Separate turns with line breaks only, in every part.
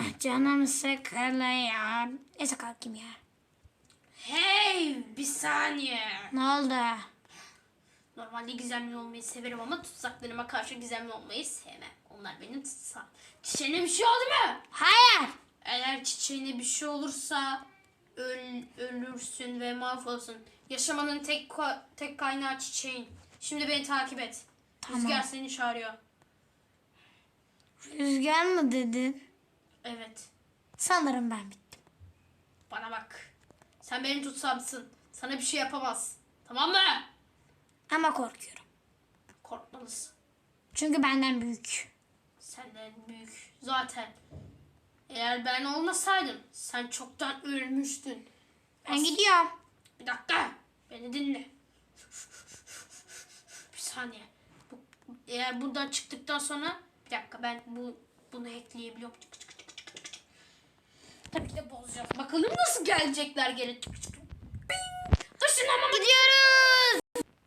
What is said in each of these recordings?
Canım sıkılıyor. Neyse kalkayım ya.
Hey, bir saniye.
Ne oldu?
Normalde gizemli olmayı severim ama tutsaklarıma karşı gizemli olmayı sevmem. Onlar benim tutsak. Çiçeğine bir şey oldu mu?
Hayır.
Eğer çiçeğine bir şey olursa ölürsün ve mahvolursun. Yaşamanın tek kaynağı çiçeğin. Şimdi beni takip et.
Tamam.
Rüzgar seni çağırıyor.
Rüzgar mı dedin?
Evet.
Sanırım ben bittim.
Bana bak. Sen benim tutsamsın. Sana bir şey yapamaz. Tamam mı?
Ama korkuyorum.
Korkmalısın.
Çünkü benden büyük.
Senden büyük. Zaten. Eğer ben olmasaydım sen çoktan ölmüştün.
Ben gidiyorum.
Bir dakika. Beni dinle. Bir saniye. Eğer buradan çıktıktan sonra bir dakika ben bunu ekleyebiliyorum. Tabii ki de bozacağız. Bakalım nasıl gelecekler geri. Bing! Işınlanma.
Gidiyoruz.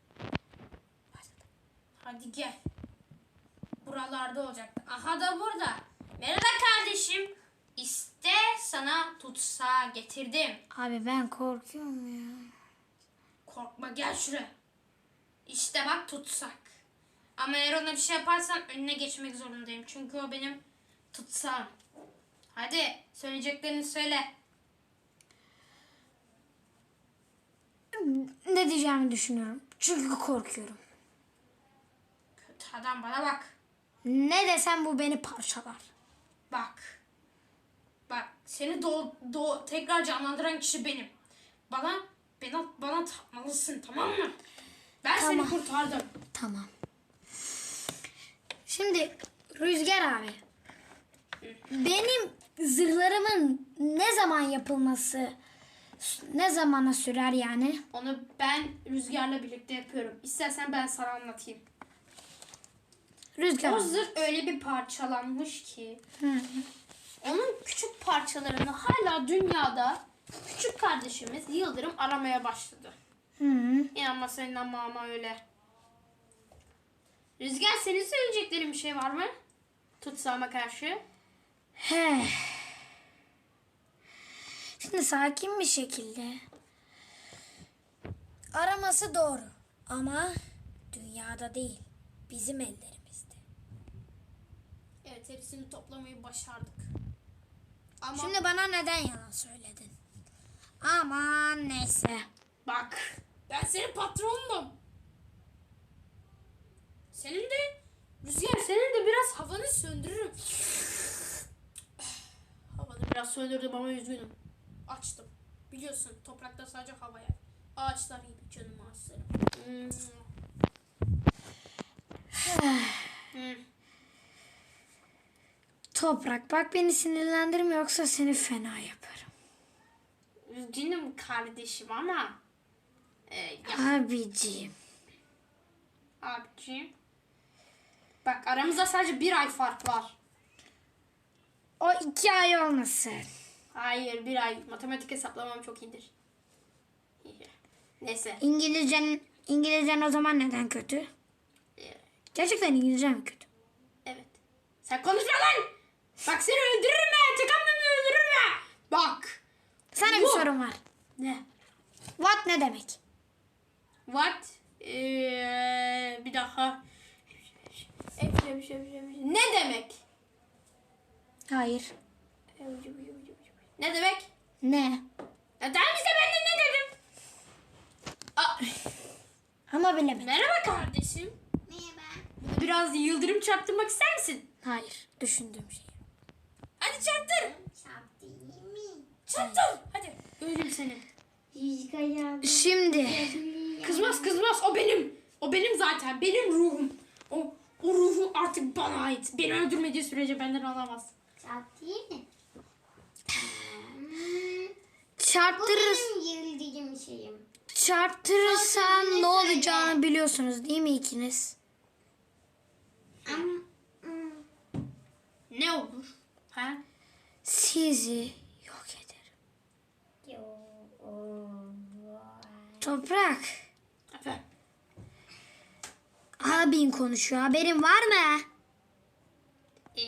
Hadi gel. Buralarda olacaktı. Aha da burada. Merhaba kardeşim. İşte sana tutsağı getirdim.
Abi ben korkuyorum ya.
Korkma gel şuraya. İşte bak tutsak. Ama eğer ona bir şey yaparsan önüne geçmek zorundayım. Çünkü o benim tutsağım. Hadi söyleyeceklerini söyle.
Ne diyeceğimi düşünüyorum. Çünkü korkuyorum.
Kötü adam bana bak.
Ne desem bu beni parçalar.
Bak. Bak seni tekrar canlandıran kişi benim. Bana tapmalısın tamam mı? Ben
Tamam.
seni kurtardım.
Tamam. Şimdi Rüzgar abi. Benim zırhlarımın ne zaman yapılması ne zamana sürer yani?
Onu ben Rüzgar'la birlikte yapıyorum. İstersen ben sana anlatayım.
Rüzgar
O
abi.
zırh öyle bir parçalanmış ki.
Hı.
Onun küçük parçalarını hala dünyada küçük kardeşimiz Yıldırım aramaya başladı.
Hı.
İnanmazsan inanma ama öyle. Rüzgar senin söyleyeceklerin bir şey var mı? Tutsağıma karşı.
He. Şimdi sakin bir şekilde araması doğru ama dünyada değil, bizim ellerimizde.
Evet hepsini toplamayı başardık. Ama
Şimdi bana neden yalan söyledin? Aman neyse.
bak ben senin patronunum. Senin de Rüzgar senin de biraz havanı söndürürüm. Havanı biraz söndürdüm ama üzgünüm. Açtım. Biliyorsun toprakta sadece hava yer. Ağaçlar gibi canım ağaçlarım.
Toprak bak beni sinirlendirme yoksa seni fena yaparım.
Üzgünüm kardeşim ama
Abiciğim.
abiciğim. Bak aramızda sadece 1 ay fark var.
O 2 ay olmasın.
Hayır 1 ay. Matematik hesaplamam çok iyidir. Neyse.
İngilizcen o zaman neden kötü? Gerçekten İngilizcen mi kötü?
Evet. Sen konuşma lan. Bak seni öldürürüm ben. Tıkanmamı öldürürüm ben. Bak.
Sana bir
Bu.
sorum var.
Ne?
What ne demek?
What? Bir daha. Ne demek?
Hayır.
Ne demek?
Ne?
Ya tamam işte ben de ne dedim? Aa,
Ama bilemedim.
merhaba kardeşim.
Merhaba.
Biraz yıldırım çarptırmak ister misin?
Hayır. Düşündüğüm şey.
Hadi çarptır.
Çarptı iyi mi?
Çarptır. Hadi. Öldüm seni.
Rüzgar
Şimdi.
Kızmaz. O benim. O benim zaten. Benim ruhum. O ruhu artık bana ait. Beni öldürmediği sürece benden alamaz.
çarptı iyi mi? Bu
Çarptırır,
benim yıldırım şeyim.
çarptırırsam
Söyle.
ne olacağını biliyorsunuz değil mi ikiniz?
Ama
Ne olur? Ha?
Sizi yok ederim.
yo,
Toprak.
Efendim.
Abin konuşuyor. Haberin var mı?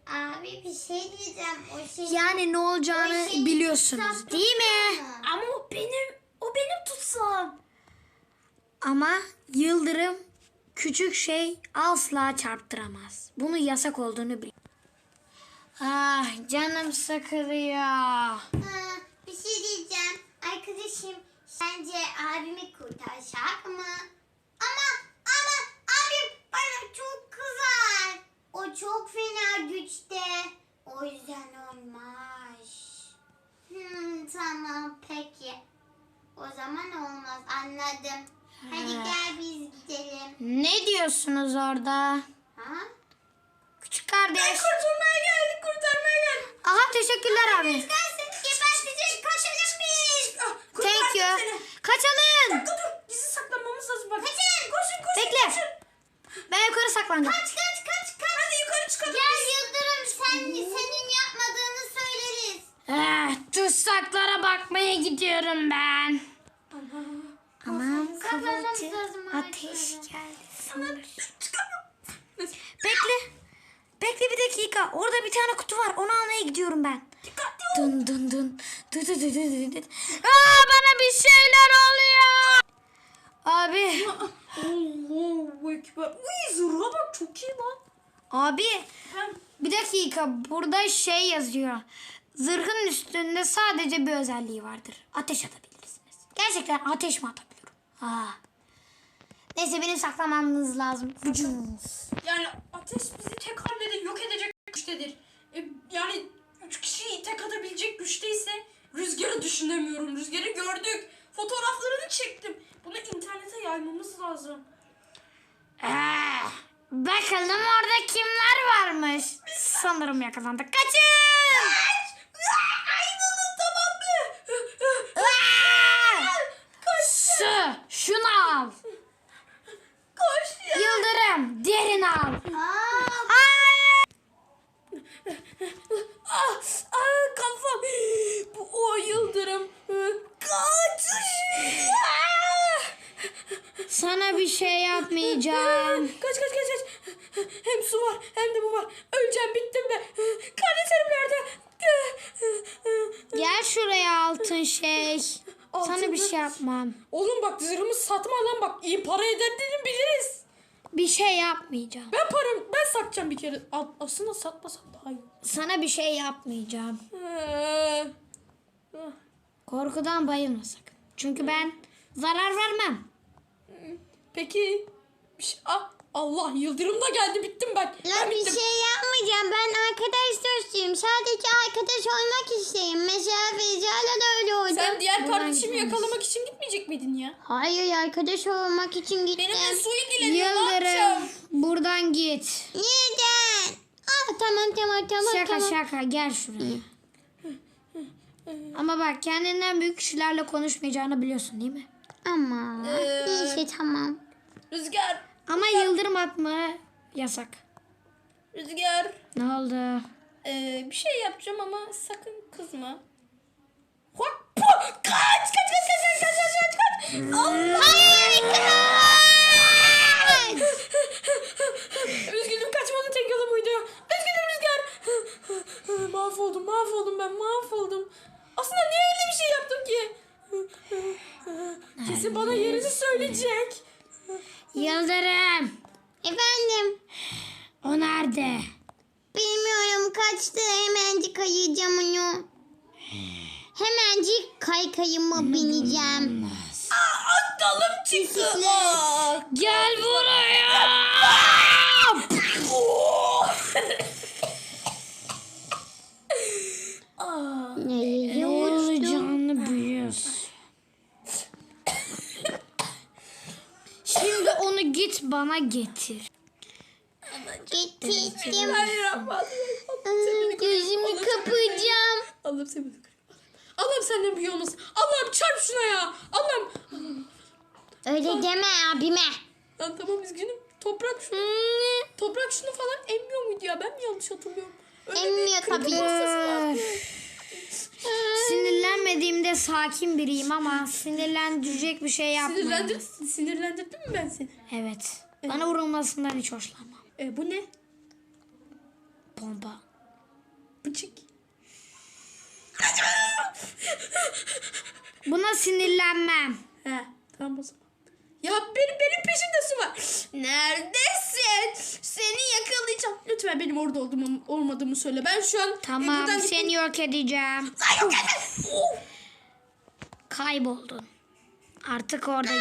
Abi bir şey diyeceğim. O şey...
Yani ne olacağını
O şey
biliyorsunuz
tutsam
değil mi?
tutsam mı?
Ama o benim tutsam.
Ama yıldırım küçük şey asla çarptıramaz. Bunun yasak olduğunu bil. Ah canım sıkılıyor.
Ha, bir şey diyeceğim. Arkadaşım sence abimi kurtaracak mı? Ama abim bana çok kızar. O çok fena güçte. O yüzden olmaz. Tamam peki. O zaman olmaz anladım. Hadi gel biz gidelim.
Ne diyorsunuz orada?
Ha?
Küçük kardeş.
Kurtarmaya geldik.
Aha teşekkürler abi.
Gelsin gebertecek kaçalım biz.
Thank you. Kaçalım.
Dur gizli saklanmamız lazım bak.
Kaçın.
Koşun.
Bekle. Ben yukarı saklanacağım.
Kaç.
Hadi yukarı çıkalım.
Gel Yıldırım senin yapmadığını söyleriz.
Tutsaklara bakmaya gidiyorum ben. Aman
Saklanmamız
kıvılcım
lazım
ateş
arkadaşlar.
geldi sanırım.
Çıkamıyorum.
Bekle. Bekle bir dakika. Orada bir tane kutu var. Onu almaya gidiyorum ben.
Dikkatli ol.
Dın dın dın. Dı dı dı dı dı dı. Aa, bana bir şeyler oluyor. Abi.
Allahu Ekber. Uy zırha bak çok iyi lan.
Abi.
Ben
Bir dakika. Burada şey yazıyor. Zırhın üstünde sadece bir özelliği vardır. Ateş atabilirsiniz. Gerçekten ateş mi atabiliyorum? Neyse benim saklamamız lazım.
yani ateş bizi tek hamlede yok edecek güçtedir. Yani 3 kişiyi tek atabilecek güçteyse rüzgarı düşünemiyorum. Rüzgarı gördük. Fotoğraflarını çektim. Bunu internete yaymamız lazım.
Bakalım orada kimler varmış. Sanırım yakalandık. Kaçın!
Ayrılın tamam mı?
Şunu al.
Koş ya.
Yıldırım derin al.
Kafam. Bu o yıldırım. Kaç.
Sana bir şey yapmayacağım.
Kaç. Hem su var hem de bu var. Öleceğim bittim ben. Kardeşlerim nerede?
Gel şuraya altın şey. Sana bir şey yapmam.
Oğlum bak zırhımı satma lan bak. İyi para ederdiğini biliriz.
Bir şey yapmayacağım.
Ben satacağım bir kere. Aslında satmasam daha iyi.
Sana bir şey yapmayacağım.
Ee,
Korkudan bayılma sakın. Çünkü ben zarar vermem.
Peki. Allah yıldırım da geldi bittim ben.
Ya
Ben
bir
bittim.
şey yapmayacağım. Ben arkadaş dostuyum. Sadece arkadaş olmak isteyeyim. Mesela Feyza'yla da öyle oldu.
Sen diğer
Buradan
kardeşimi
gideriz.
yakalamak için gitmeyecek miydin ya?
Hayır arkadaş olmak için gittim.
Benimle su ilgileniyor ne yapacağım?
Yıldırım buradan git.
Neden? Tamam.
Şaka şaka gel şuraya. Ama bak kendinden büyük kişilerle konuşmayacağını biliyorsun değil mi?
Ama neyse tamam.
Rüzgar.
Ama yıldırım atma yasak.
Rüzgar.
Ne oldu?
Bir şey yapacağım ama sakın kızma. Kaç. Allah. Üzgünüm kaçmanın tek yolu buydu. Üzgünüm Rüzgar. Mahvoldum ben mahvoldum. Aslında niye öyle bir şey yaptım ki? Kesin bana yerini söyleyecek.
Yıldırım.
Efendim?
O nerede?
Bilmiyorum kaçtı. Hemencik ayıracağım onu. Hemencik kaykayıma bineceğim.
Dalım çıktı.
Gel buraya.
Nereye uçtum?
Canlı büyüyorsun. Şimdi onu git bana getir.
Getirdim.
Bismillahirrahmanirrahim.
Gözümü kapayacağım.
Allah'ım sen beni kır. Allah'ım senden büyüğü olmasın. Allah'ım çarp şuna ya. Allah'ım.
Öyle deme abime.
Lan tamam üzgünüm. Toprak şunu falan emmiyor muydu ya? Ben mi yanlış hatırlıyorum? Öyle
Emmiyor
bir
tabii.
kırkım hastası var.
Sinirlenmediğimde sakin biriyim ama sinirlendirecek bir şey yapmam.
Sinirlendirdin mi ben seni?
Evet. Bana vurulmasından hiç hoşlanmam.
Bu ne?
Bomba. Buna sinirlenmem.
He, tamam o zaman. Ya benim peşimde su var. Neredesin? Seni yakalayacağım. Lütfen benim orada olmadığımı söyle. Ben şu an
Tamam,
buradan
seni yok edeceğim.
Ay, yok edin.
Kayboldun. Artık orada